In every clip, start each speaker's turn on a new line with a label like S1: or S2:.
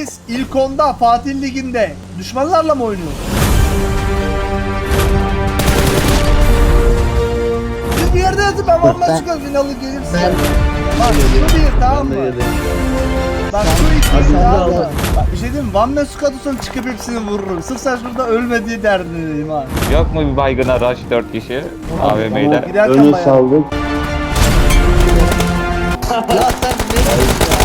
S1: Biz ilk onda Fatih Ligi'nde düşmanlarla mı oynuyoruz? Siz bir yerde yatın, ben vallahi çıkar finalı gelirse. Bak şu bir, tamam mı? Bak şu iki, tamam mı? Bak bir şey diyeyim mi? Van Mesut sonra çıkıp hepsini vururum. Sırf sen şurada ölme diye derdindeyim ha.
S2: Yok mu bir baygına rush 4 kişi AVM'de?
S1: Giderken
S3: Önü
S1: bayağı.
S3: saldık.
S4: Ya sen ne diyorsun ya?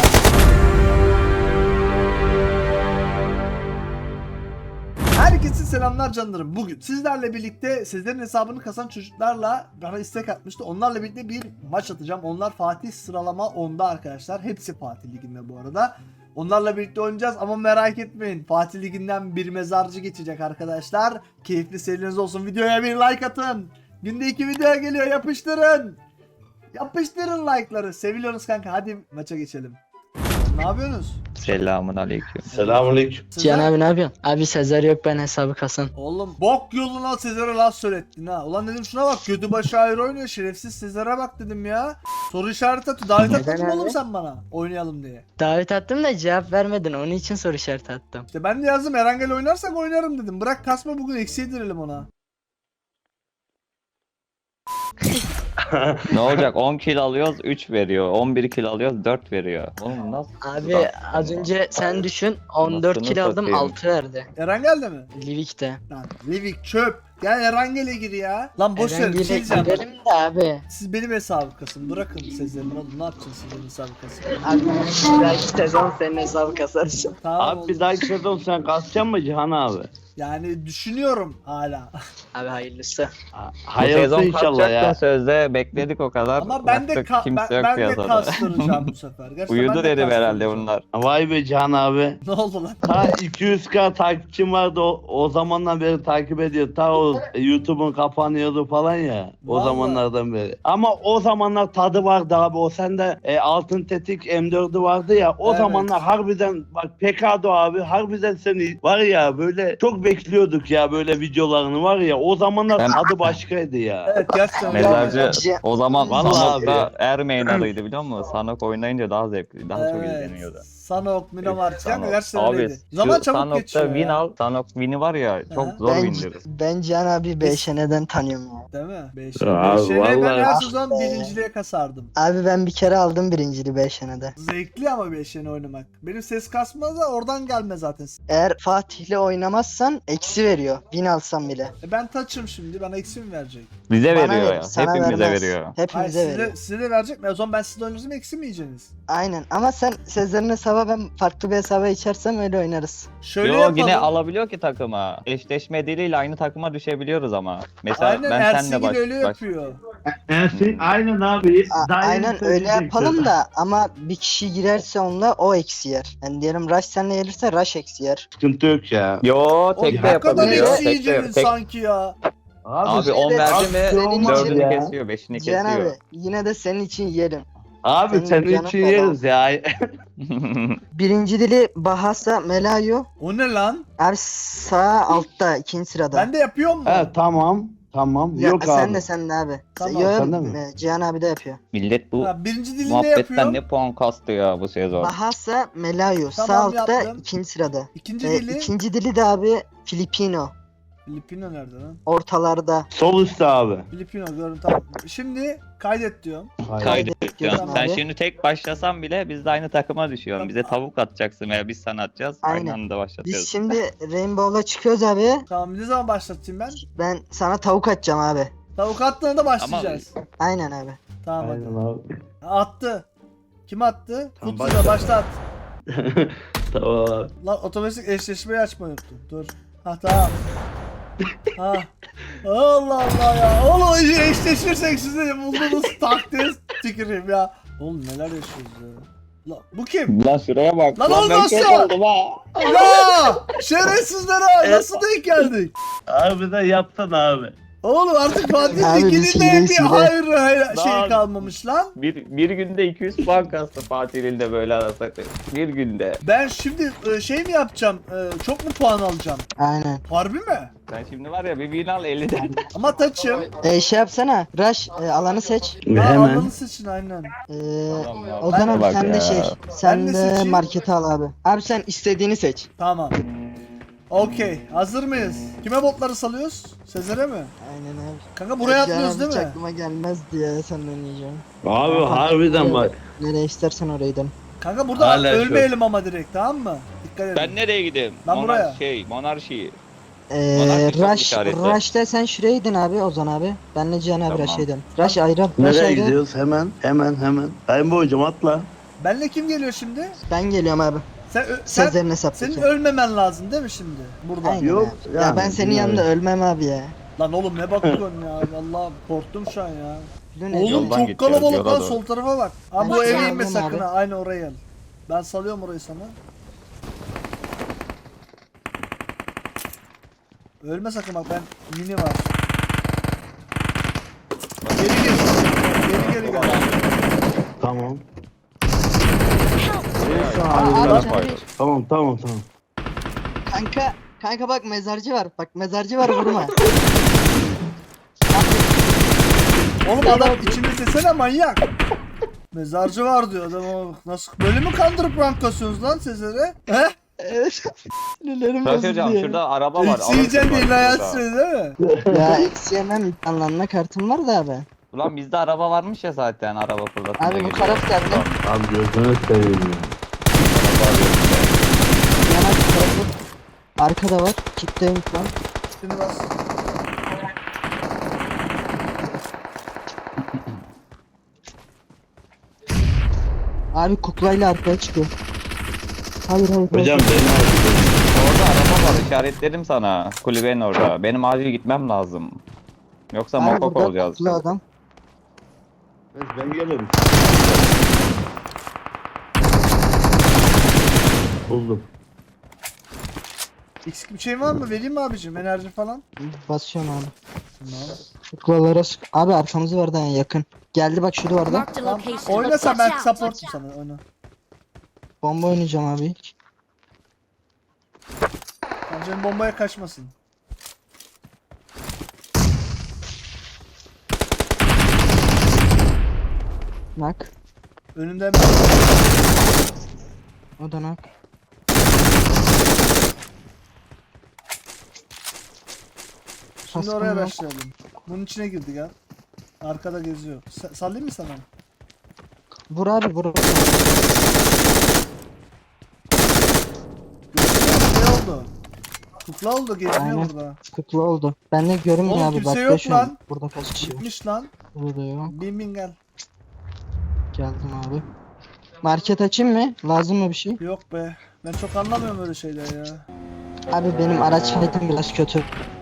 S1: Herkese selamlar canlarım. Bugün sizlerle birlikte sizlerin hesabını kasan çocuklarla bana istek atmıştı. Onlarla birlikte bir maç atacağım. Onlar Fatih sıralama 10'da arkadaşlar. Hepsi Fatih Ligi'nde bu arada. Onlarla birlikte oynayacağız ama merak etmeyin. Fatih Ligi'nden bir mezarcı geçecek arkadaşlar. Keyifli seyirleriniz olsun. Videoya bir like atın. Günde 2 video geliyor, yapıştırın. Yapıştırın like'ları. Seviyorsunuz kanka. Hadi maça geçelim. Ne yapıyorsunuz?
S2: Selamun aleyküm.
S3: Selamünaleyküm.
S4: Cihan abi ne yapıyorsun? Abi Sezer yok, ben hesabı kasan.
S1: Oğlum bok yoluna Sezer'e laf söylettin ha. Ulan dedim şuna bak, gödü başı ayrı oynuyor, şerefsiz Sezer'e bak dedim ya. Soru işareti atıyor. Davet
S4: Neden
S1: atmadın mı oğlum
S4: abi?
S1: sen bana oynayalım diye.
S4: Davet attım da cevap vermedin, onun için soru işareti attım.
S1: İşte ben de yazdım, Erangel oynarsak oynarım dedim. Bırak kasma, bugün eksi yedirelim ona.
S2: Ne olacak? 10 kill alıyoruz 3 veriyor. 11 kill alıyoruz 4 veriyor. Oğlum nasıl?
S4: Abi az önce sen düşün, 14
S2: Anasını
S4: kill aldım,
S2: satayım.
S4: 6 verdi.
S1: Erangel de mi?
S4: Livik'te.
S1: Lan Livik çöp. Gel Erangel'e gir ya. Lan boş ver, bir
S4: Erengel'e
S1: şey diyeceğim.
S4: gidelim de abi.
S1: Siz benim hesabı kasın. Bırakın Sezer'in oğlum, ne yapacaksınız siz benim hesabı kasın.
S4: Abi belki sezon senin hesabı kasarız.
S1: Tamam
S3: Abi
S1: oğlum.
S3: bir dahaki sezon sen kasacaksın mı Cihan abi?
S1: Yani düşünüyorum hala.
S4: Abi hayırlısı.
S2: Bu
S3: Hayırlısı
S2: sezon
S3: inşallah
S2: kaçacaktın
S3: ya.
S2: sözde bekledik o kadar.
S1: Ama ben de
S2: Baktık, kimse yok
S1: ben de
S2: piyasada.
S1: kastıracağım bu sefer. Gerçekten ben
S2: Uyudu
S1: de
S2: dedim herhalde
S1: kastıracağım.
S2: bunlar.
S3: Vay be Cihan abi.
S1: Ne oldu lan?
S3: Ta 200k takipçim vardı o zamandan beri takip ediyor. Ta o YouTube'un kapanıyordu falan ya. O
S1: Vallahi.
S3: zamanlardan beri. Ama o zamanlar tadı vardı abi. O sende altın tetik M4'ü vardı ya. O
S1: Evet.
S3: zamanlar harbiden bak Pekado abi harbiden seni var ya böyle çok bekliyorduk ya böyle videolarını var ya. O zamanlar
S2: Ben-
S3: tadı başkaydı ya.
S1: Evet gerçekten.
S2: Mezarcı
S4: Cihan-
S2: o zaman
S3: Vallahi
S2: Sanok'ta
S3: abi.
S2: Ermeyin adıydı biliyor musun? Sanok oynayınca daha zevkli, daha çok
S1: Evet.
S2: izleniyordu.
S1: Sanok, Minomar çıkan
S2: Sanok.
S1: gerçekten
S2: Abi
S1: öyleydi.
S2: şu
S1: Zaman çabuk
S2: Sanok'ta
S1: geçiyor
S2: win
S1: ya.
S2: al. Sanok win'i var ya çok
S1: Aha.
S2: zor win'dir.
S4: Ben Cihan abi BŞN'den tanıyorum ya.
S1: Değil mi? 5
S3: Abi,
S1: ben
S3: vallahi.
S1: her sezon birinciliğe kasardım.
S4: Abi ben bir kere aldım birinciliği BŞN'de.
S1: Zevkli ama 5'ini oynamak. Benim ses kasmaz da oradan gelme zaten.
S4: Eğer Fatih'le oynamazsan eksi veriyor. Win alsam bile.
S1: Ben taçım şimdi, bana eksi mi verecek?
S2: Bize
S4: Bana
S2: veriyor
S4: verir,
S2: ya.
S4: sana
S2: Hepimize
S4: vermez.
S2: veriyor.
S1: Hayır,
S4: Hepimize veriyor.
S1: size de verecek mi? O zaman ben sizle oynarsam eksi mi yiyeceksiniz?
S4: Aynen ama sen Sezer'in hesaba, ben farklı bir hesaba içersem öyle oynarız.
S1: Şöyle
S2: Yo
S1: yapalım.
S2: yine alabiliyor ki takıma. Eşleşme diliyle aynı takıma düşebiliyoruz ama. Mesela
S1: Aynen,
S2: ben
S1: Ersin
S2: senle
S1: gibi öyle
S2: baş.
S1: yapıyor.
S3: Ersin aynen abi.
S4: Aynen öyle yapalım da ama bir kişi girerse onunla o eksi yer. Yani diyelim Rush seninle gelirse Rush eksi yer.
S3: Sıkıntı yok ya.
S2: Yo
S1: O
S2: tek de
S1: ne kadar
S2: yapabiliyor.
S1: eksi
S2: Tek de,
S1: yiyeceksiniz
S2: tek,
S1: sanki ya.
S2: abi 10
S4: de-
S2: verdi mi
S4: senin
S2: 4'ünü
S3: için-
S2: kesiyor 5'ini
S4: Cihan
S2: kesiyor.
S4: abi yine de senin için yiyelim.
S3: Abi
S4: Senin
S3: senin
S4: canın
S3: için
S4: feda
S3: yeriz ya.
S4: Birinci dili Bahasa Melayo.
S1: O ne lan?
S4: Sağ altta ikinci sırada.
S1: Ben de yapıyor mu?
S3: Evet tamam. Tamam.
S4: Ya,
S3: Yok
S4: sen
S3: abi.
S4: de sen de abi.
S1: Tamam,
S4: Yo,
S3: sen de mi?
S4: Cihan abi de yapıyor.
S2: Millet bu
S1: Ha, birinci dilinde
S2: muhabbetten
S1: yapıyor.
S2: ne puan kastı ya bu sezon.
S4: Bahasa Melayo sağ
S1: Tamam,
S4: altta
S1: yaptım.
S4: ikinci sırada.
S1: İkinci dili.
S4: İkinci dili de abi Filipino.
S1: Filipino nerede lan?
S4: Ortalarda.
S3: Sol üstte abi.
S1: Filipino gördüm, tamam. Şimdi kaydet diyorum.
S2: Kaydediyorsun.
S4: Tamam
S2: Sen
S4: abi.
S2: şimdi tek başlasan bile biz de aynı takıma düşüyorsun. Bize tavuk atacaksın veya biz sana atacağız. Aynı
S4: Aynen.
S2: anda başlatıyoruz.
S4: Biz şimdi Rainbow'la çıkıyoruz abi.
S1: Tamam, ne zaman başlatayım ben?
S4: Ben sana tavuk atacağım abi.
S1: Tavuk attığında başlayacağız.
S4: Aynen abi.
S1: Tamam hadi.
S3: Aynen abi.
S1: Attı. Kim attı?
S3: Tamam,
S1: Kutsu'da başlat.
S3: Tamam abi.
S1: Lan otomatik eşleşmeyi açmayı unuttum. Dur. Ha tamam. Ha. Allah Allah ya. Oğlum eşleşirsek siz de bulduğunuz taktiği tüküreyim ya. Oğlum neler yaşıyoruz ya. Lan bu kim?
S2: Lan şuraya bak.
S1: Lan
S2: ben
S1: oğlum nasıl?
S2: kök oldum ha.
S1: Ya! Şerefsizler ha! Nasıl denk geldik?
S3: Harbiden yaptın abi.
S1: Oğlum artık Fatih
S4: Abi
S1: Ligi'nin
S4: biz
S1: de
S4: hileyiz,
S1: bir
S4: hile.
S1: hayır şey
S2: Lan.
S1: kalmamış lan.
S2: Bir günde 200 puan kastı Fatih ilinde böyle arasak. Bir günde.
S1: Ben şimdi şey mi yapacağım? Çok mu puan alacağım?
S4: Aynen.
S1: Harbi mi?
S2: Sen şimdi var ya bir bin al 50'den.
S1: Ama taçım.
S4: Şey yapsana. Rush alanı seç.
S1: Ha,
S3: Hemen.
S1: alanı seçin aynen.
S2: Tamam ya,
S4: Ozan abi
S2: bak
S4: sen de
S2: ya.
S4: şey.
S1: Ben
S4: Sen
S1: ne
S4: de
S1: seçeyim?
S4: markete al abi. Abi sen istediğini seç.
S1: Tamam. Okey. Hazır mıyız? Kime botları salıyoruz? Sezer'e mi?
S4: Aynen abi.
S1: Kanka buraya atlıyoruz
S4: Can
S1: değil
S4: abi
S1: mi?
S4: hiç aklıma gelmez diye senden yiyeceğim.
S3: Abi harbiden bak.
S4: Nereye istersen oraya gidelim.
S1: Kanka burada
S3: Hala şu.
S1: ölmeyelim ama direkt tamam mı? Dikkat edin.
S2: Ben nereye gideyim?
S1: Ben buraya.
S2: Monarşi. Bana bir çok
S4: Rush,
S2: işaretle.
S4: Rush'ta sen şuraya gidin abi Ozan abi. Benle Cihan abi
S2: Tamam.
S4: Rush'a gidelim. Rush ayrı. Rush
S3: Nereye
S4: ayrı.
S3: gidiyoruz? Hemen. Rainbow hocam atla.
S1: Benle kim geliyor şimdi?
S4: Ben geliyorum abi.
S1: Sen
S4: Sezer'in
S1: senin
S4: hesaptaki.
S1: ölmemen lazım değil mi şimdi? Burada.
S4: Aynen
S3: Yok,
S4: abi. Ya
S3: yani
S4: ben senin
S3: bilmiyorum.
S4: yanında ölmem abi ya.
S1: Lan oğlum ne bakıyorsun ya? Vallahi korktum şu an ya.
S4: Bu ne
S1: Oğlum
S4: diyor?
S2: Yoldan
S1: çok
S2: gideceğiz,
S1: kalabalık
S2: yola
S1: lan
S2: doğru.
S1: sol tarafa bak. Abi bu
S4: Ben
S1: eve
S4: sağ
S1: inme
S4: alayım
S1: sakın
S4: abi.
S1: ha. Aynı oraya gel. Ben salıyorum orayı sana. Ölme sakın bak ben mini var. Geri gel.
S3: Tamam.
S4: Aa,
S2: Bana
S4: abi,
S2: koydum.
S3: Tamam.
S4: Kanka bak mezarcı var. Bak mezarcı var vurma.
S1: Oğlum adam içinde desene manyak. Mezarcı var diyor adam. Nasıl böyle mi kandırıp rank kasıyorsunuz lan Sezer'e? He?
S4: Evet. Sinirlerim
S2: Fatih
S4: bozuldu
S2: hocam
S4: ya.
S2: şurada araba var.
S1: Eksi yiyeceksin
S2: alırsın
S1: diye
S2: bak
S1: hayat
S2: şurada.
S1: söyledi değil mi?
S4: Ya eksi yemem anlamına kartım var da abi.
S2: Ulan bizde araba varmış ya zaten araba fırlatınca
S4: Abi bu
S2: gidiyor.
S4: taraf geldi.
S3: Abi gözünü seveyim ya.
S4: Yana tarafı. Arkada var. Kitleyim şu an.
S1: Şimdi bas.
S4: Abi kuklayla arkaya çıkıyor. Hayır.
S3: Hocam beni al.
S2: Orada araba var işaretledim sana. Kulübenin orada. Benim acil gitmem lazım. Yoksa
S4: Abi
S2: mokok
S4: burada
S2: olacağız.
S4: kukla adam.
S3: Ben gelirim. Buldum.
S1: Eksik bir şey var mı? Vereyim mi abicim? Enerji falan.
S4: Basıyorum abi.
S1: Tamam.
S4: Kuklalara sık. Abi arkamızı verdi yani yakın. Geldi bak şu duvarda.
S5: Marked a
S1: Tamam.
S5: location.
S1: Oyna sen
S5: Watch
S1: ben
S5: out,
S1: supportum
S5: watch
S1: sana
S5: out.
S1: oyna.
S4: Bomba oynayacağım abi.
S1: Bence bombaya kaçmasın.
S4: Nak.
S1: Önünde hemen.
S4: O da nak.
S1: Şimdi
S4: Kaskım
S1: oraya
S4: yok.
S1: başlayalım. Bunun içine girdi ya. Arkada geziyor. Sallayayım mı sana?
S4: Vur abi vur.
S1: Ne oldu? Kukla oldu geziniyor
S4: Aynen.
S1: burada.
S4: Kukla oldu. Ben de görünmüyor
S1: Oğlum
S4: abi.
S1: kimse
S4: Bak
S1: yok
S4: şu an.
S1: lan.
S4: Burada kaç kişi var?
S1: Gitmiş lan.
S4: Burada yok.
S1: Bin gel.
S4: Geldim abi. Market açayım mı? Lazım mı bir şey?
S1: Yok be. Ben çok anlamıyorum öyle şeyler ya.
S4: Abi benim araç fiyatım biraz kötü.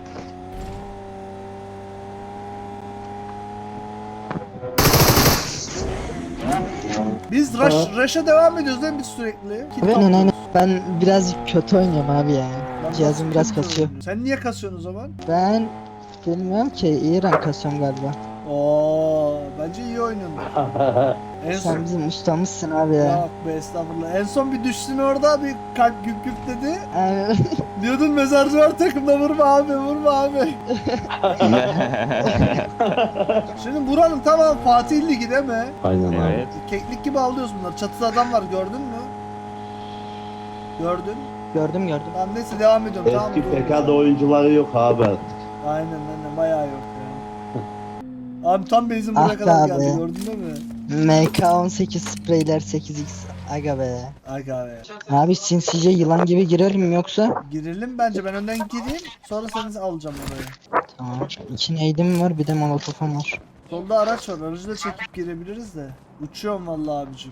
S1: Biz rush'a devam ediyoruz değil mi biz sürekli? Kill
S4: Aynen
S1: topluyoruz.
S4: aynen. Ben biraz kötü oynuyorum abi ya.
S1: Lan
S4: Cihazım
S1: nasıl
S4: biraz
S1: kötü
S4: kasıyor.
S1: oynuyorsun? Sen niye kasıyorsun o zaman?
S4: Ben bilmiyorum ki iyi rank kasıyorum galiba.
S1: Oo, bence iyi oynuyorsun. En son...
S4: Sen bizim ustamızsın abi ya.
S1: Yok be estağfurullah. En son bir düştün orada bir kalp güp güp dedi.
S4: Abi,
S1: Diyordun mezarcı var takımda vurma abi. Şimdi buranın tamam Fatih Ligi değil mi?
S3: Aynen abi.
S2: Evet.
S1: Keklik gibi alıyoruz bunları. Çatıda adam var gördün mü? Gördün.
S4: gördüm.
S1: Tamam neyse devam ediyorum. Tamam,
S3: Eski
S1: dur.
S3: PK'da oyuncuları yok abi.
S1: Aynen bayağı yok ya. Abi tam base'in buraya
S4: Ah be
S1: kadar
S4: abi.
S1: geldi gördün değil mi?
S4: MK18 spreyler 8x. Aga be.
S1: Aga be.
S4: Abi sinsice yılan gibi girelim mi yoksa?
S1: Girelim bence ben önden gireyim sonra seni alacağım oraya.
S4: Tamam. 2 neydim var bir de molotofum var.
S1: Solda araç var aracı da çekip girebiliriz de. Uçuyorum vallahi abicim.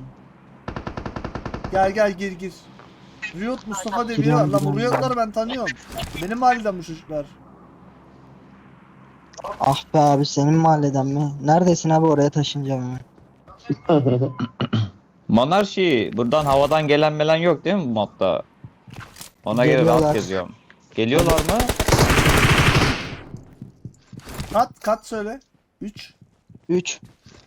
S1: Gel gir. Riot Mustafa diye biri var. Lan bu Riot'ları ben tanıyorum. Benim mahalleden bu çocuklar.
S4: Ah be abi senin mahalleden mi? Neredesin abi oraya taşınacağım hemen.
S2: Monarşi buradan havadan gelen melen yok değil mi bu modda? Ona göre
S4: Geliyorlar.
S2: rahat geziyorum. Geliyorlar mı?
S1: Kat söyle. 3.
S4: 3.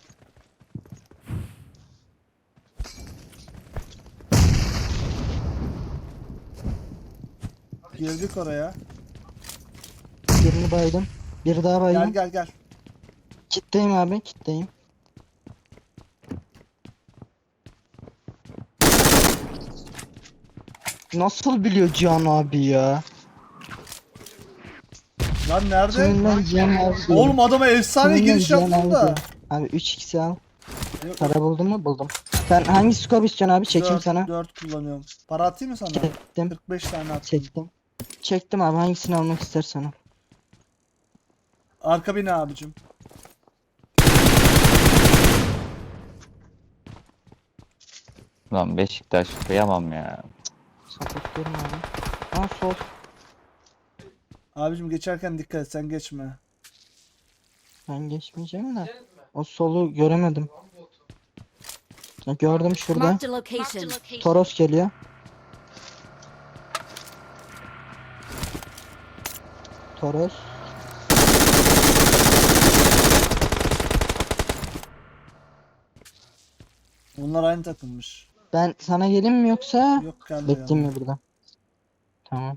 S1: Girdik oraya.
S4: Birini baydım. Bir daha baydım.
S1: Gel.
S4: Kitleyim abi, kitleyim. Nasıl biliyor Cihan abi ya?
S1: Lan nerede?
S4: Kiminle Cihan abi diyor.
S1: Oğlum adama efsane
S4: Kiminle
S1: giriş
S4: Cihan
S1: yaptın
S4: abi
S1: da.
S4: diyor. Abi 3x al.
S1: Yok,
S4: Para buldun mu? Buldum. Sen hangi scope istiyorsun abi? Çekeyim sana.
S1: 4 kullanıyorum. Para atayım mı sana?
S4: Çektim.
S1: 45 tane attım.
S4: Çektim. Çektim abi, hangisini almak istersen al.
S1: Arka bina abicim.
S2: Lan Beşiktaş kıyamam ya.
S4: Sapıklıyorum abi. Aa sol.
S1: Abicim geçerken dikkat et, sen geçme.
S4: Ben geçmeyeceğim de. O solu göremedim. Ha, gördüm şurada.
S5: Marked a location.
S4: Toros geliyor. Toros.
S1: Onlar aynı takılmış.
S4: Ben sana geleyim mi yoksa?
S1: Yok geldi
S4: Bekleyeyim mi burada? Tamam.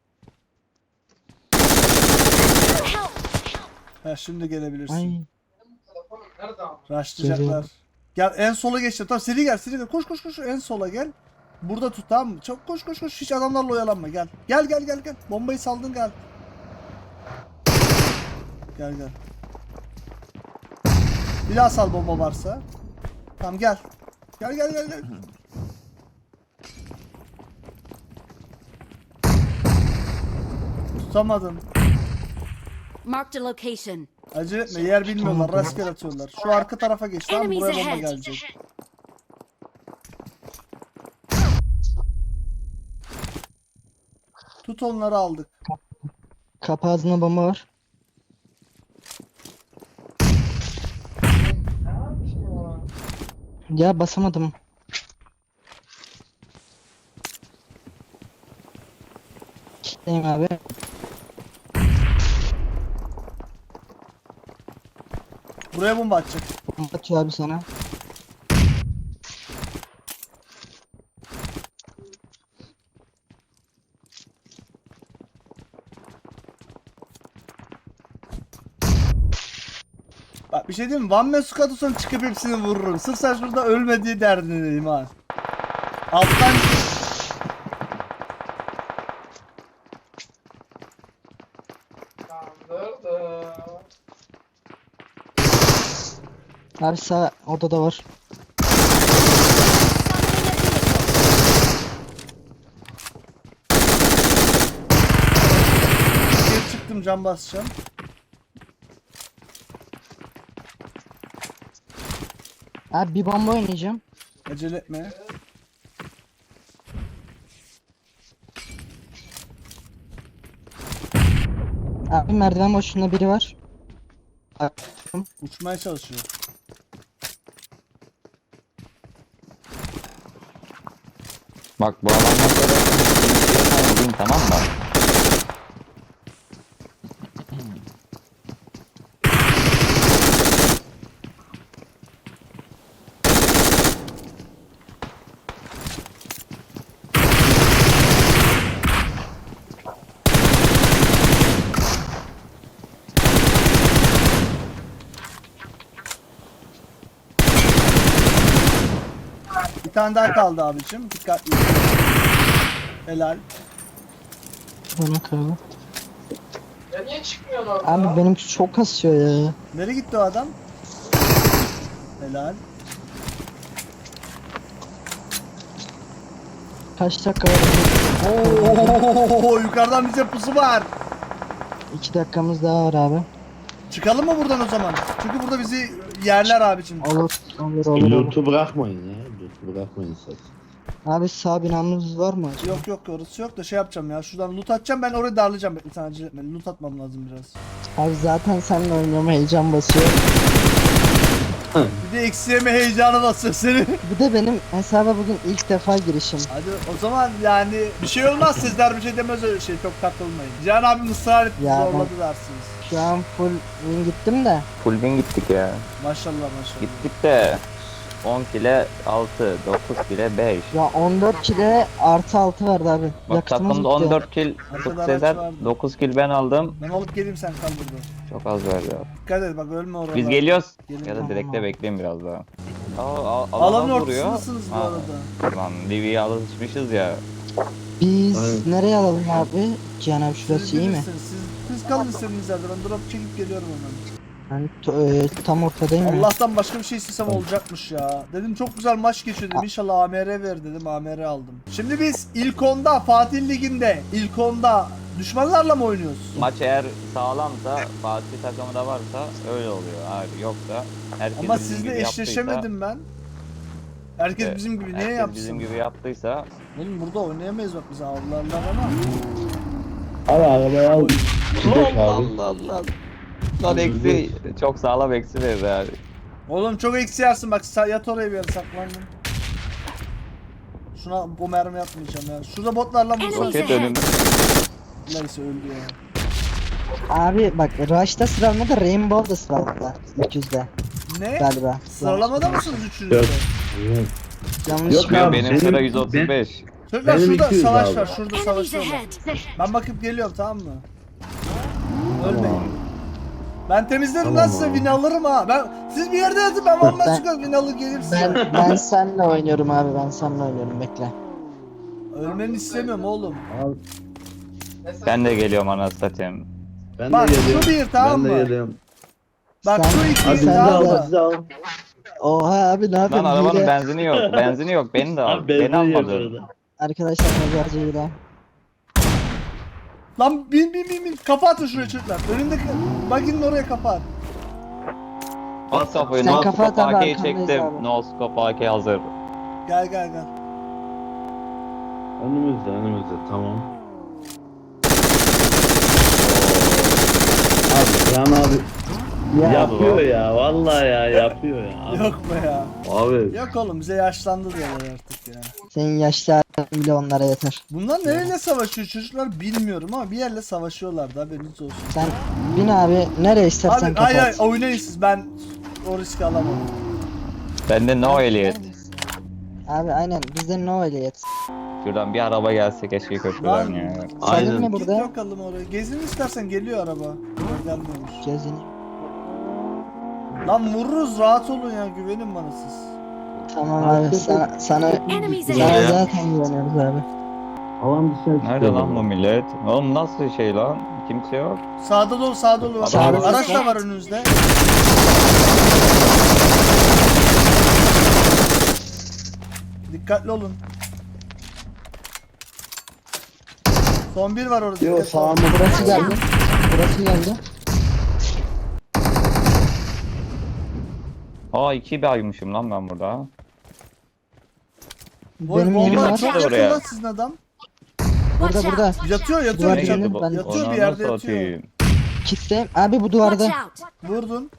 S1: Ha şimdi gelebilirsin.
S4: Ay.
S1: Rushlayacaklar.
S4: Geliyorum.
S1: Gel en sola geç. Tamam seri gel. Koş en sola gel. Burada tut, tamam mı? Çok koş. Hiç adamlarla oyalanma, gel. Gel. Bombayı saldın, gel. Gel. Bir daha sal bomba varsa. Tamam gel. Gel. Tutamadın.
S5: Marked a location.
S1: Acele etme, yer bilmiyorlar, rastgele atıyorlar. Şu arka tarafa geç, tamam mı?
S5: Enemies
S1: Buraya bomba
S5: ahead.
S1: gelecek. Tut, onları aldık.
S4: Kapı ağzına bomba var. Ya basamadım. Kitleyim abi.
S1: Buraya bomba atacak.
S4: Bomba atıyor abi sana.
S1: Bak bir şey diyeyim mi? One Man Squad olsam çıkıp hepsini vururum. Sırf sen şurada ölmediği derdindeyim ha. Alttan
S4: Abi sağ odada var.
S1: geri çıktım, cam basacağım.
S4: Abi bir bomba oynayacağım.
S1: Acele etme.
S4: Abi merdiven boşluğunda biri var.
S1: Uçmaya çalışıyor.
S2: Bak bu adamdan sonra vurayım, tamam mı?
S1: Bir tane daha kaldı abicim. Dikkatli. Helal.
S4: Bana kaldı. Abi benimki çok kasıyor ya.
S1: Nereye gitti o adam? Helal.
S4: Kaç dakika var?
S1: Oo, yukarıdan bize pusu var.
S4: 2 dakikamız daha var abi.
S1: Çıkalım mı buradan o zaman? Çünkü burada bizi yerler abicim.
S4: Olur.
S3: Loot'u bırakmayın ya. Loot'u bırakmayın sakın.
S4: Abi sağ binamız var mı acaba?
S1: Yok orası yok da şey yapacağım ya. Şuradan loot atacağım, ben orayı darlayacağım. Bekle sen acele etme. Loot atmam lazım biraz.
S4: Abi zaten seninle oynuyorum, heyecan basıyor.
S1: Bir de eksi yeme heyecanı basıyor seni.
S4: Bir de benim hesaba bugün ilk defa girişim.
S1: Hadi o zaman yani bir şey olmaz, sizler bir şey demez öyle şey, çok takılmayın. Cihan abim ısrar etti,
S4: Ya
S1: zorladı dersiniz.
S4: Şu an full win gittim de.
S2: Full win gittik ya.
S1: Maşallah maşallah.
S2: Gittik de 10 kile 6, 9 kile 5.
S4: Ya 14 kile artı 6 verdi abi.
S2: Bak
S4: Yakıtımız
S2: takımda
S4: bitti.
S2: 14 kill
S1: Arkada
S2: Tut
S1: araç
S2: Sezer,
S1: vardı.
S2: 9 kill ben aldım.
S1: Ben alıp geleyim, sen kal burada.
S2: Çok az verdi.
S1: Dikkat et bak, ölme orada.
S2: Biz geliyoruz.
S1: Gelin.
S2: Ya da
S4: Tamam
S2: direkte
S4: abi.
S2: bekleyin biraz daha.
S1: Alanın
S2: vuruyor.
S1: ortasındasınız bu
S2: Ha,
S1: arada.
S2: Lan Livy'ye alışmışız ya.
S4: Biz
S3: Aynen.
S4: nereye alalım abi? Cihan abi şurası
S1: Siz
S4: iyi mi?
S1: bilirsiniz, Siz kalın istediğiniz yerde, ben drop çekip geliyorum hemen.
S4: Ben tam ortadayım ya.
S1: Allah'tan başka bir şey istesem olacakmış ya. Dedim çok güzel maç geçiyor dedim. İnşallah AMR ver dedim. AMR aldım. Şimdi biz ilk onda Fatih Ligi'nde ilk onda düşmanlarla mı oynuyoruz?
S2: Maç eğer sağlamsa, Fatih takımı da varsa öyle oluyor abi. Yoksa herkes
S1: Ama
S2: bizim
S1: sizle
S2: gibi
S1: eşleşemedim ben. Herkes
S2: yaptıysa,
S1: bizim gibi niye
S2: herkes
S1: yapsın?
S2: bizim gibi yaptıysa
S1: Oğlum burada oynayamayız bak, bizi avlarlar ama.
S3: Abi arabayı al. Gidelim abi.
S2: Allah Allah. Lan eksi çok sağlam eksi verir abi.
S1: Oğlum çok eksi yersin bak, yat oraya bir yere saklandım. Şuna bu mermi yapmayacağım ya. Şurada botlarla mı?
S5: Enemies
S2: Roket
S5: ahead.
S2: önümde.
S1: Neyse öldü ya.
S4: Abi bak Rush'ta sıralamadı, Rainbow'da sıralamadı. 300'de
S1: Ne?
S4: galiba.
S1: Sıralamada mısınız üçünüz de?
S3: Yok.
S4: Yanlış
S3: Yok
S2: Benim,
S3: abi,
S2: benim
S3: benim-
S2: sıra 135.
S1: Çocuklar
S3: Benim
S1: şurada
S3: 200
S1: savaş
S3: abi.
S1: var. Şurada
S5: Enemies
S1: savaşıyorlar.
S5: ahead.
S1: Ben bakıp geliyorum, tamam mı? Ölmeyin.
S3: Tamam.
S1: Ben temizlerim
S3: Tamam
S1: lan size,
S3: abi.
S1: win alırım ha. Siz bir yerde yatın, ben vallahi
S4: Ben-
S1: çıkıyorum, win alır gelir size.
S4: Ben seninle oynuyorum abi, ben seninle oynuyorum, bekle.
S1: Ölmeni istemiyorum oğlum.
S3: Abi,
S2: Ben de geliyorum anasını satayım.
S3: ben
S1: Bak,
S3: de
S1: şu
S3: geliyorum.
S1: bir, tamam
S3: ben de
S1: mı?
S3: geliyorum.
S1: Bak
S4: Sen-
S1: şu
S3: Hadi
S1: iki,
S3: bizi
S4: Sen
S1: tamam
S3: al,
S4: de-
S1: mı?
S3: bizi al.
S4: Oha abi ne
S2: Lan
S4: yapayım?
S2: arabanın
S4: Hile.
S2: benzini yok. Benzini yok. Beni de al.
S3: Abi
S2: Beni
S3: benzin
S2: almadın.
S3: yakıyordu.
S4: Arkadaşlar mezarcı hile.
S1: Lan bin. Kafa atın şuraya çocuklar. Önündeki bakın oraya kafa at.
S2: At kafayı.
S4: Sen
S2: No
S4: kafa at
S2: scope
S4: abi,
S2: AK'yi
S4: arkandayız
S2: çektim.
S4: abi.
S2: No scope AK hazır.
S1: Gel.
S3: Önümüzde tamam. Abi Can abi
S4: Ya
S3: yapıyor ya, vallahi ya yapıyor ya. Abi.
S1: Yok mu ya?
S3: Abi
S1: Yok oğlum, bize yaşlandı diyorlar artık ya.
S4: senin yaşlı halin bile onlara yeter.
S1: Bunlar nereyle savaşıyor çocuklar bilmiyorum ama bir yerle savaşıyorlardı, haberiniz olsun.
S4: Sen bin abi, nereye istersen
S1: Abi
S4: kapat.
S1: hayır oynayın siz, ben o riski alamam.
S2: Bende no ehliyet.
S4: Abi aynen, bizde no ehliyet.
S2: Şuradan bir araba gelse keşke köprüden
S1: Lan.
S2: ya.
S4: Senin
S3: Aynen.
S4: mi
S1: Git
S4: burada?
S1: bakalım oraya. Gezin istersen, geliyor araba. Yok, gelmiyormuş.
S4: Gezin.
S1: Lan vururuz, rahat olun ya, güvenin bana siz.
S4: Tamam abi, sana
S5: Enemies
S2: Ya.
S5: ahead.
S4: zaten güveniyoruz abi.
S3: alan dışarı
S2: Nerede lan bu millet? Oğlum nasıl şey lan? Kimse yok.
S1: Sağda dolu var.
S2: Sağda
S1: Araç
S5: dolu.
S1: da var önünüzde. Dikkatli olun. Son bir var orada.
S3: Yok
S1: dikkatli olun.
S3: sağımda
S4: Burası geldi. Burası geldi.
S2: Aa 2 baymışım lan ben burada.
S4: Benim
S1: Bomba
S4: yerim var.
S1: çok
S2: Oraya.
S1: yakın lan sizin adam.
S4: Burada
S5: Watch
S4: burada.
S5: out.
S1: Yatıyor
S4: Duvar
S2: Ne
S4: Benim-
S2: girdi bu?
S4: ben-
S1: Yatıyor
S2: Ona
S1: bir yerde
S2: nasıl
S1: yatıyor.
S2: atayım?
S4: Kitle. Abi bu
S5: Watch
S4: duvarda.
S5: out.
S1: Vurdun.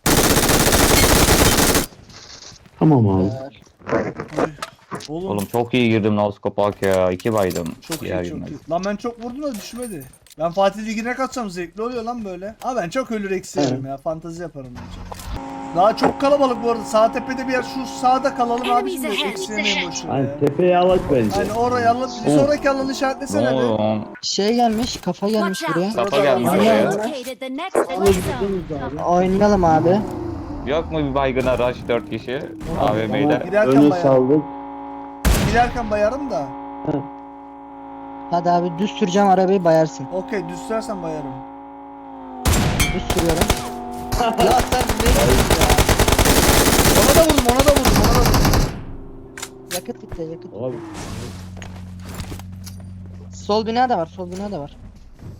S3: Tamam abi.
S1: Oğlum,
S2: Oğlum çok iyi girdim Noskop AK ya. 2 baydım.
S1: çok
S2: Diğer
S1: iyi çok
S2: girmez.
S1: iyi. Lan ben çok vurdum da düşmedi. Ben Fatih Ligi'ne kaçsam zevkli oluyor lan böyle. Ama ben çok ölür eksiyerim ya. Fantezi yaparım bence. Daha çok kalabalık bu arada. Sağ tepede bir yer, şu sağda kalalım abi.
S5: Enemies
S1: Şimdi
S5: ahead.
S1: eksiyemeyin boşuna
S3: Hani
S1: ya.
S3: tepeye alak bence.
S1: Hani oraya alalım. Bir sonraki alanı işaretlesene
S2: Ne
S1: bir.
S2: oluyor lan?
S4: Şey gelmiş, kafa gelmiş
S5: Watch
S4: buraya.
S5: out.
S2: Kafa gelmiş
S1: Orada-
S2: oraya.
S5: Located the next play zone.
S4: Oynayalım abi.
S2: Yok mu bir baygına rush 4 kişi? AVM'de.
S1: Giderken
S3: Önü
S1: bayarım.
S3: saldık.
S1: Giderken bayarım da.
S4: Hadi abi düz süreceğim arabayı, bayarsın.
S1: Okey, düz sürersen bayarım.
S4: Düz sürüyorum.
S1: Ya sen ne diyorsun ya? Ona da vurdum.
S4: Yakıt bitti, yakıt.
S3: Abi
S4: Sol bina da var, sol bina da var.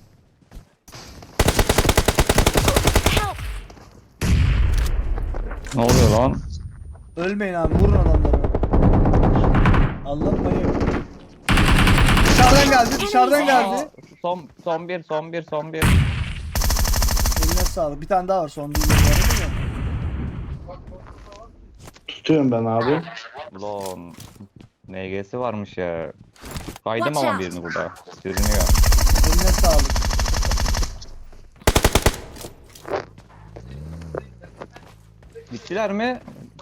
S5: Help.
S2: Ne oluyor lan?
S1: Ölmeyin abi, vurun adamları. Allah bayıyor. Dışarıdan geldi.
S2: Aa, son bir.
S1: Eline sağlık. Bir tane daha var, son değil.
S3: Tutuyorum ben abi.
S2: Ulan NG'si varmış ya. Kaydım
S5: Watch
S2: ama
S5: out.
S2: birini burada. Sürünüyor.
S1: Eline sağlık.
S2: Bittiler mi?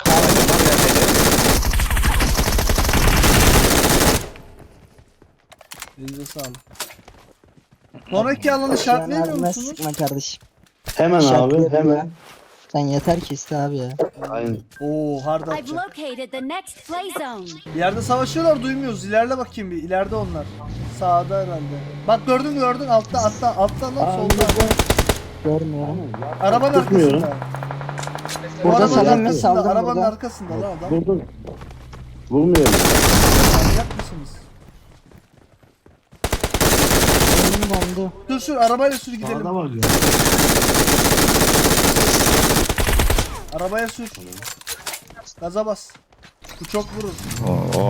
S1: Elinize sağlık. Sonraki alanı işaretleyemiyor
S4: Abime
S1: musunuz?
S4: sıkma kardeşim.
S3: Hemen abi
S4: İşaretleyelim
S3: hemen.
S4: ya. Sen yeter ki iste abi ya.
S3: Aynen.
S1: Oo hard
S5: I've
S1: atacak.
S5: located the next play zone.
S1: Bir yerde savaşıyorlar duymuyoruz. İlerle bakayım bir. İleride onlar. Sağda herhalde. Bak gördün altta lan solda.
S4: Görmüyorum.
S1: Arabanın
S3: Tutmuyorum.
S1: arkasında.
S4: Burada
S1: Arabanın
S4: saldım mı?
S1: arkasında,
S4: Saldım
S1: arabanın
S4: burada.
S1: arkasında lan adam.
S3: Vurdum. Vurmuyorum.
S1: Manyak mısınız?
S4: Benim dondu.
S1: Sür arabayla sür gidelim.
S3: Sağda var ya.
S1: Arabaya sür. Gaza bas. Bu çok vurur.
S2: Oh.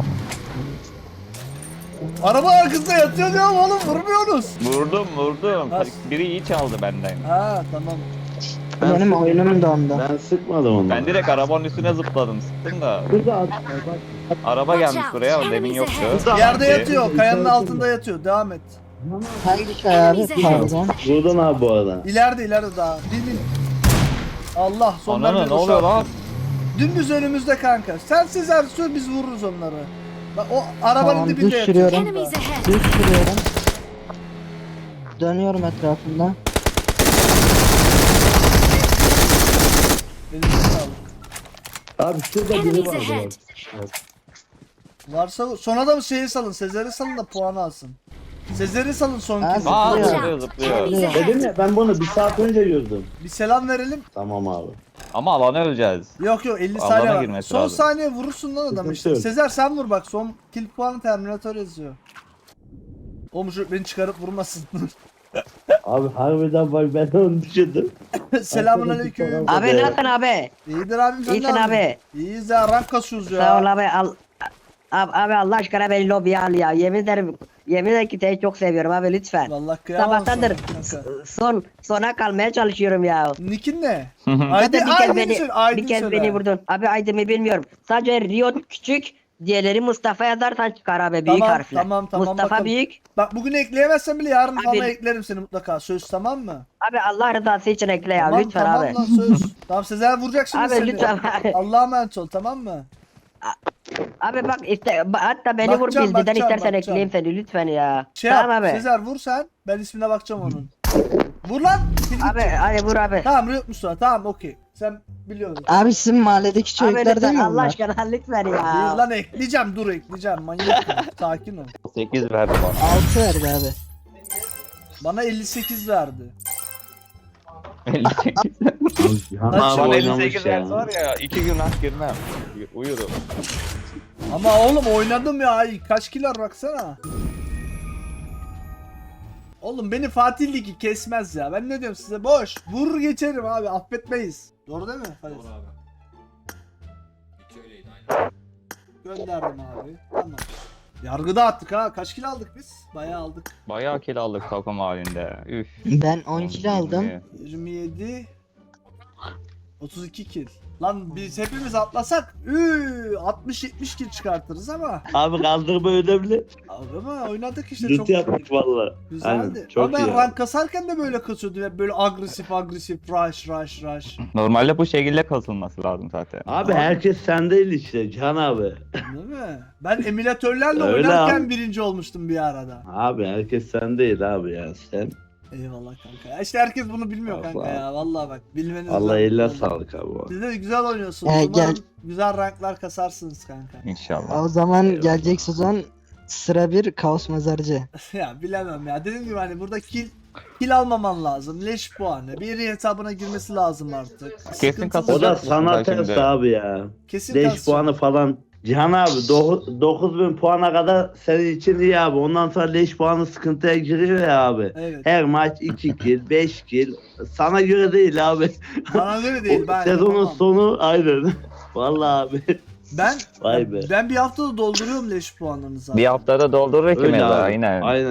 S1: Araba arkasında yatıyor ya oğlum vurmuyorsunuz.
S2: Vurdum.
S1: Ha.
S2: Biri iyi çaldı benden.
S1: Ha tamam.
S4: Benim oyunum dondu.
S3: Ben sıkmadım onu.
S2: Ben direkt arabanın üstüne zıpladım. Sıktım da.
S3: Burada at.
S2: Araba gelmiş buraya. O demin yoktu.
S1: Yerde yatıyor. Kayanın altında yatıyor. Devam et.
S4: Hangi kaya abi? Pardon.
S3: Buradan abi bu arada.
S1: İleride daha. Bin. Allah sonlar
S2: Ananı
S1: bir
S2: ne oluyor
S1: boşalt.
S2: lan?
S1: Dümdüz önümüzde kanka. Sen Sezer sür biz vururuz onları. Bak o arabanın
S4: Tamam,
S1: dibinde
S4: düz
S1: yatıyor.
S4: sürüyorum.
S5: Enemies ahead.
S4: Düz sürüyorum. Dönüyorum etrafında.
S1: Elinize sağlık.
S3: Abi şurada biri
S5: Enemies
S3: var.
S5: ahead.
S1: Varsa sona da şeyi salın. Sezer'i salın da puanı alsın. Sezer'i salın son
S4: Ha,
S1: kez.
S2: Aa
S4: Zıplıyor.
S2: zıplıyor.
S5: Enemies
S3: Dedim
S5: ahead.
S3: ya ben bunu bir saat önce gördüm.
S1: Bir selam verelim.
S3: Tamam abi.
S2: Ama alana öleceğiz.
S1: Yok 50
S2: Alana
S1: saniye var.
S2: girmesi
S1: Son
S2: lazım.
S1: saniye vurursun lan adamı
S3: Sıkıntı
S1: işte.
S3: yok.
S1: Sezer sen vur bak son kill puanı Terminator yazıyor. Oğlum şu beni çıkarıp vurmasın.
S3: Abi harbiden bak ben onu düşündüm.
S1: Selamun aleyküm.
S3: Abi,
S6: Abi nasılsın abi?
S1: İyidir abim sen ne
S6: İyisin
S1: yapıyorsun?
S6: abi.
S1: İyiyiz ya rank kasıyoruz ya.
S6: Sağ ol abi. Abi Allah aşkına beni lobiye al ya. Yemin ederim ki seni çok seviyorum abi lütfen.
S1: Vallahi kıyamam
S6: Sabahtandır
S1: sana kanka.
S6: sona kalmaya çalışıyorum ya.
S1: Nick'in ne?
S6: Zaten bir kez
S1: Aydın
S6: beni
S1: söyle, Aydın
S6: bir kez
S1: söyle.
S6: beni vurdun. Abi Aydın'ı bilmiyorum. Sadece Rio küçük, diğerleri Mustafa yazarsan çıkar abi büyük
S1: Tamam,
S6: harfle.
S1: tamam,
S6: Mustafa
S1: bakalım.
S6: büyük.
S1: Bak bugün ekleyemezsen bile yarın
S6: Abi-
S1: falan eklerim seni mutlaka. Söz tamam mı?
S6: Abi Allah rızası için ekle ya
S1: Tamam
S6: lütfen
S1: tamam
S6: abi.
S1: lan söz. Tamam Sezer vuracak şimdi
S6: Abi
S1: seni.
S6: lütfen abi.
S1: Allah'a emanet ol tamam mı?
S6: Abi bak hatta beni vur
S1: Bakacağım,
S6: bildiden
S1: bakacağım,
S6: istersen
S1: bakacağım.
S6: ekleyeyim seni lütfen ya.
S1: Şey
S6: Tamam
S1: yap
S6: abi.
S1: Sezer vur sen. Ben ismine bakacağım onun. Vur lan. Kill
S6: Abi
S1: gidecek.
S6: hadi vur abi.
S1: Tamam Riot Mustafa tamam okey. Sen biliyorsun.
S4: Abi sizin mahalledeki
S6: Abi
S4: çocuklar değil
S6: lütfen
S4: mi
S6: Allah
S4: bunlar?
S6: aşkına lütfen
S1: Değil
S6: ya.
S1: lan ekleyeceğim dur ekleyeceğim manyak mı? Sakin ol.
S2: 8 verdi bana.
S4: 6 verdi abi.
S1: Bana 58 verdi.
S2: 58.
S3: Cihan
S1: Bak,
S3: abi
S2: Bana
S3: oynamış
S2: 58
S3: ya.
S2: verse var ya 2 gün hak girmem. Uyurum.
S1: Ama oğlum oynadım ya. Ay, kaç kilar baksana. Oğlum beni Fatih Ligi kesmez ya. Ben ne diyorum size boş. Vurur geçerim abi affetmeyiz. Doğru değil mi? Hadi.
S7: Doğru abi. İki öyleydi aynen.
S1: Gönderdim abi. Tamam. Yargıda attık ha. Kaç kilo aldık biz? Bayağı aldık.
S2: Bayağı kill aldık takım halinde. Üf.
S4: Ben 10 kilo aldım.
S1: 27 32 kill. Lan biz hepimiz atlasak 60-70 kill çıkartırız ama
S3: Abi kaldırma önemli.
S1: ama oynadık işte
S3: Loot
S1: çok
S3: yaptık valla.
S1: güzeldi.
S3: Aynen, çok
S1: Ama ben
S3: iyi.
S1: rank kasarken de böyle kasıyordum hep böyle agresif rush.
S2: Normalde bu şekilde kasılması lazım zaten.
S3: Abi herkes sen değil işte Can abi.
S1: Değil mi? Ben emülatörlerle
S3: Öyle
S1: oynarken
S3: abi.
S1: birinci olmuştum bir arada.
S3: Abi herkes sen değil abi ya sen.
S1: Eyvallah kanka. Ya işte herkes bunu bilmiyor kanka
S3: Allah.
S1: ya. Vallahi bak bilmeniz
S3: Allah
S1: lazım.
S3: eline
S1: Vallahi.
S3: sağlık abi.
S1: Siz de güzel oynuyorsunuz.
S4: Gel.
S1: Umarım güzel ranklar kasarsınız kanka.
S2: İnşallah.
S4: O zaman
S3: Eyvallah.
S4: gelecek sezon sıra 1 Kaos Mezarcı.
S1: Ya bilemem ya. Dediğim gibi hani burada kill almaman lazım. Leş puanı. Bir hesabına girmesi lazım artık.
S2: Kesin
S1: Sıkıntılı.
S2: kasacak.
S3: O da
S2: mısın
S3: sana
S2: sen
S3: ters
S2: şimdi?
S3: abi ya.
S1: Kesin
S3: 5
S1: kasacak.
S3: puanı falan. Cihan abi 9000 puana kadar senin için iyi abi. Ondan sonra leş puanı sıkıntıya giriyor ya abi.
S1: Evet.
S3: Her maç 2 kill, 5 kill. Sana göre değil abi.
S1: Bana göre değil.
S3: O
S1: Ben
S3: sezonun
S1: yapamam.
S3: sonu aynen. Vallahi abi.
S1: Ben
S3: Vay be.
S1: ben bir haftada dolduruyorum leş puanlarını zaten.
S2: Bir haftada doldurur ki
S3: Öyle
S2: meza
S3: abi.
S2: aynen.
S3: Aynen.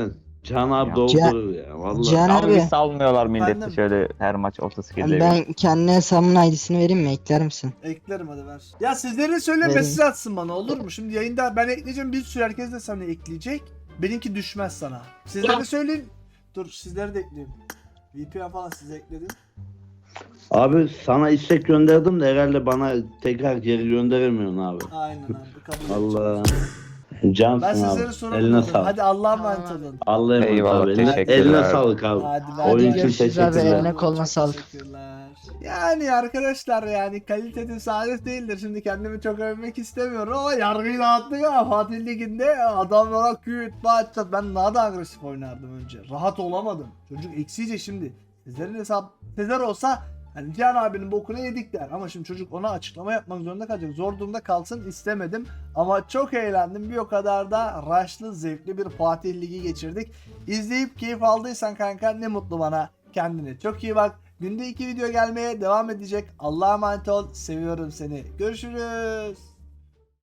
S3: Can abi
S2: Ya.
S3: doldurur ya vallahi.
S4: Can
S2: Ama
S4: abi
S2: bir salmıyorlar milleti
S1: Efendim?
S2: şöyle her maç 30 kilde.
S4: ben kendi hesabımın ID'sini vereyim mi? Ekler misin?
S1: Eklerim hadi ver. Ya sizlerin söyle
S4: Verin.
S1: mesaj atsın bana olur mu? Şimdi yayında ben ekleyeceğim, bir sürü herkes de sana ekleyecek. Benimki düşmez sana. Sizlere söyleyin. Dur sizleri de ekleyeyim. VPN falan size ekledim.
S3: Abi sana istek gönderdim de herhalde bana tekrar geri gönderemiyorsun abi.
S1: Aynen abi kabul
S3: Allah.
S1: edeceğim.
S3: Cansın
S1: Ben sizlere
S3: abi.
S1: soramadım.
S3: Eline sağlık.
S1: Hadi Allah'a emanet olun.
S3: Allah'a emanet
S2: Eyvallah,
S3: abi. Eline
S2: teşekkürler.
S3: sağlık abi.
S1: Hadi
S3: Oyun için
S4: görüşürüz abi,
S3: teşekkürler.
S4: eline koluna sağlık.
S1: Teşekkürler. Yani arkadaşlar yani kalite tesadüf değildir. Şimdi kendimi çok övmek istemiyorum ama yargıyı dağıttık ha. Fatih Ligi'nde adamlara küt bağıracağız. Ben daha da agresif oynardım önce. Rahat olamadım. Çocuk eksice şimdi. Sezer'in hesap Sezer olsa hani Cihan abinin bokunu yedik der. Ama şimdi çocuk ona açıklama yapmak zorunda kalacak. Zor durumda kalsın istemedim. Ama çok eğlendim. Bir o kadar da raşlı, zevkli bir Fatih Ligi geçirdik. İzleyip keyif aldıysan kanka ne mutlu bana. Kendine çok iyi bak. Günde 2 video gelmeye devam edecek. Allah'a emanet ol. Seviyorum seni. Görüşürüz.